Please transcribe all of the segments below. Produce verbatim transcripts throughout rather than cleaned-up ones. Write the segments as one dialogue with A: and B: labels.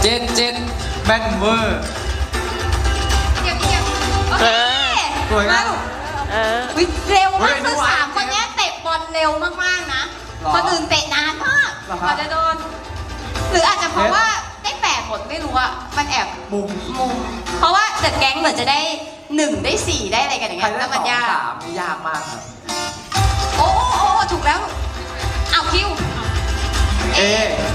A: เจ็ดเจ็ดแม่นเวอร์
B: เดี๋ยวเดี๋ยวโอเค
A: สวยงาม
C: เออ
B: วิเร็วมาก
A: เฮ้ย
B: คือ
A: ดูไว้
B: สามคนเนี้ยเตะบอลเร็วมากๆนะ
A: หรอ
B: คนอื่นเตะนานมาก
A: เหรอค
B: ก
A: รับ
B: ว่าจะโดน หรืออาจจะเพราะว่าได้แปดหมดไม่รู้อะมันแอบ
A: มุม
B: มุม เพราะว่าเดอะแก๊งเหมือนจะได้หนึ่งได้สี่ได้อะไรกันอย่าง
A: ใคร
B: เงี้ย
A: ได้
B: แล้ว
A: ส
B: มัน
A: อง
B: ยาก
A: สามนี่ยากมากครับ
B: โอ้โอ้โอ้ถูกแล้วเอาคิว
A: เอ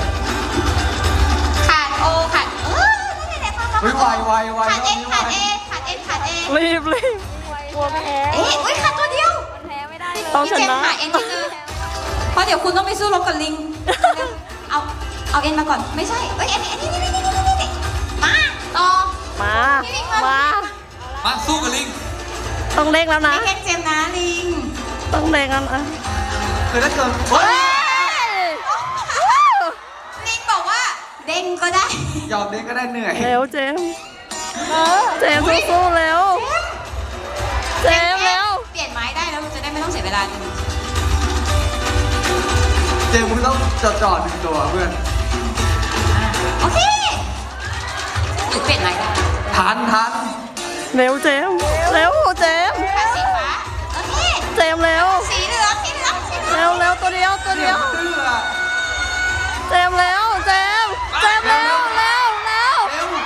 B: ขาดโอขาดเออนั่นแหละครับ
A: เฮ้ยไวไวไว
B: ขาดเอ็น
A: รอบ
B: ขาด
A: นี้
B: เอ
A: ไว
B: ขาดเอ็นขาดเอ
C: รีบรีบกลัวแพ้
B: เอ๊ะอุ้ยขาดตัวเดียว
D: มันแพ้ไม่ได้เลย
C: ต้อง
B: พี่
C: ช
B: เจม
C: นะ
B: ส์หาเอ็นให้เจอเพราะเดี๋ยวคุณต้องไปสู้รบกับลิง เอาเอาเอ็นมาก่อนไม่ใช่เอ้ยเอ็นเอ็นนี่นี่นี่นี่นี่นี่มาต่อ
C: มา
B: พี่ลิงมา
C: มา
A: มาสู้กับลิง
C: ต้องเร่งแล้วนะ
B: ไม่แค่เจมส์นะลิง
C: ต้องเร่งแล้วนะ
A: คือถ้าเกิดเฮ้ย
B: ลิงบอกว่าเด้งก็ได้
A: ยอมเด็กก็ได้เหนื่อย
C: เร็วเจมส์เจมส์สู้ๆเร็ว เจมส์เร็ว
B: เปลี่ยนไม้ได้แล้วจะได้ไม่ต้องเสียเวลาหนึ่ง
A: เจมส์มึงต้องจอดจอดหนึ่งตัวเพื่อน
B: โอเคหรือเปลี่ยนไม้ได้
A: ทันทัน
C: เร็วเจมส์เร็วเจมส์
B: ขาดสีฟ้าโอเค
C: เจมส์เร็ว
B: สีเหลืองสีเหลืองสีเหลื
C: เร็
B: อ
C: ว
B: ง
C: เร็วตัวเดียวตัวเดียว
A: เสื้อ
C: เจมส์เร็วเจมส์เจมส์เร็วเร็วเร็ว
A: เร็ว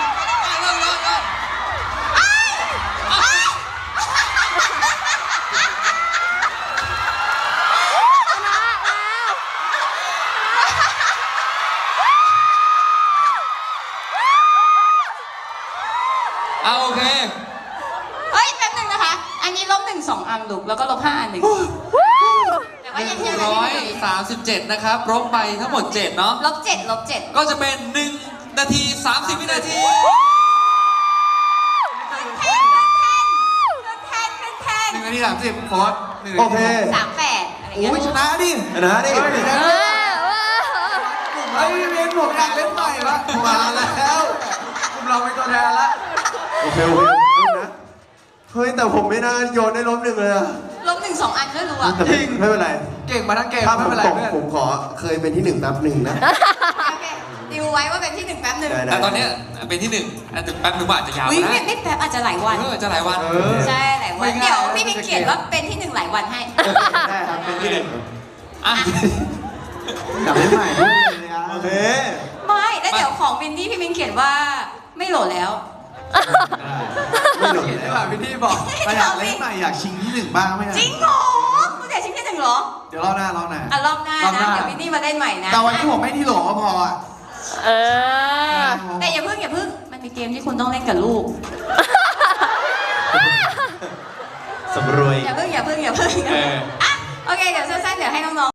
C: ชนะแล้ว
A: เอาโอเค
B: เฮ้ยแป๊บหนึงนะคะ อันนี้ลบหนึ่งสองอันลูกแล้วก็ลบห้าอันหนึ่งแต่ว่ายังยัง
E: ร้อย
B: ยัง
E: สามสิบเจ็ดนะครับลบไปทั้งหมดเจ็ดเนาะ
B: ลบเจ็ดลบเจ็ด
E: ก็จะเป็นหนึ่งนาทีสามสิบวินาที
B: ขึ้นแทนขึ้นแทนขึ้นแทน
E: ห
B: ขึ้
E: นึ่
B: น
E: ง
B: แทน
E: นาทีสามสิบโค้ดหนึ่ง
A: โอเค
B: สามแปดอะไรเงี้ย
A: อุ้ยชนะดิ
F: ชนะดิ
C: เออเออ
A: เฮ้ยเรียนผมอยากเล่นใหม่ละมาแล้วกลุ่มเราเป็นตัวแทนละ
F: โอเคโอเคเอานะเฮ้ยแต่ผมไม่น่าโยนได้ล้มหนึ่งเลยอะ
B: ลบหนึ่งสองอันด้วยรู้อ่ะ
F: แต่ไม่ไม่เป็นไร
A: เก่งมาทั้งเกม
F: ถ้าผ
A: ไม่
F: ม
A: เป็นไร
F: ตก
A: เพื่อน
F: ผมขอเคยเป็นที่หนึ่งนับหนึ่งนะ
B: โอเคดิวไว้ว่าเป็นที่หนึ่งแป๊บหนึ่ง
F: ได้ได้
E: แต่ตอนเนี้ยเป็นที่หนึ่งอันถึงแป๊บหนึงว่าอาจจะยาว
B: อุ้ย
E: ก็
B: ไม่
E: ได้
B: ไม่แป๊บอาจจะหลายวัน
E: เออจะหลายวัน
A: เออ
B: ใช่หลายวัน
A: ไม่ง่าย
B: เดี๋ยวพี่มิงเขียนว่าเป็นที่หนึ่งหลายวันให้
F: ได้ครับเป็นที่หนึ่ง
E: อ่ะ
F: กลับได้ใหม่ด้วยเลยอะโอเค
B: ไม่แล้วเดี๋ยวของวินนี่พี่มิงเขียนว่าไม่โหลดแล้ว
F: ไม่หลุด
A: เห็น
F: แล้
A: ไหม
F: ว
A: พี่ที่บอก
B: ไม่อยากเล่นใหม่
F: อยากชิงที่หนึ่งบ้างไหม
B: จริงเหรอคุณอยากชิงที่หนึ่งเหรอ
F: เดี๋ยวรอบหน้ารอบหน้า
B: อ่ะรอบหน้าร
A: อบห
B: นะ
A: น้า
B: เดี๋ยววินนี่มาเล่นใหม่นะ
F: แต่วันนี้ผมไม่ที่โหลก็พออะ
C: เออ
B: แต่อย่าเพิ่งอย่าเพิ่งมันมีเกมที่คุณต้องเล่นกับลูก
F: สำรวย
B: อย่าเพิ่งอย่าเพิ่งอย่าเพิ่ง
E: เออ
B: อ่ะโอเคเดี๋ยวสั้นๆเดี๋ยวให้น้องๆ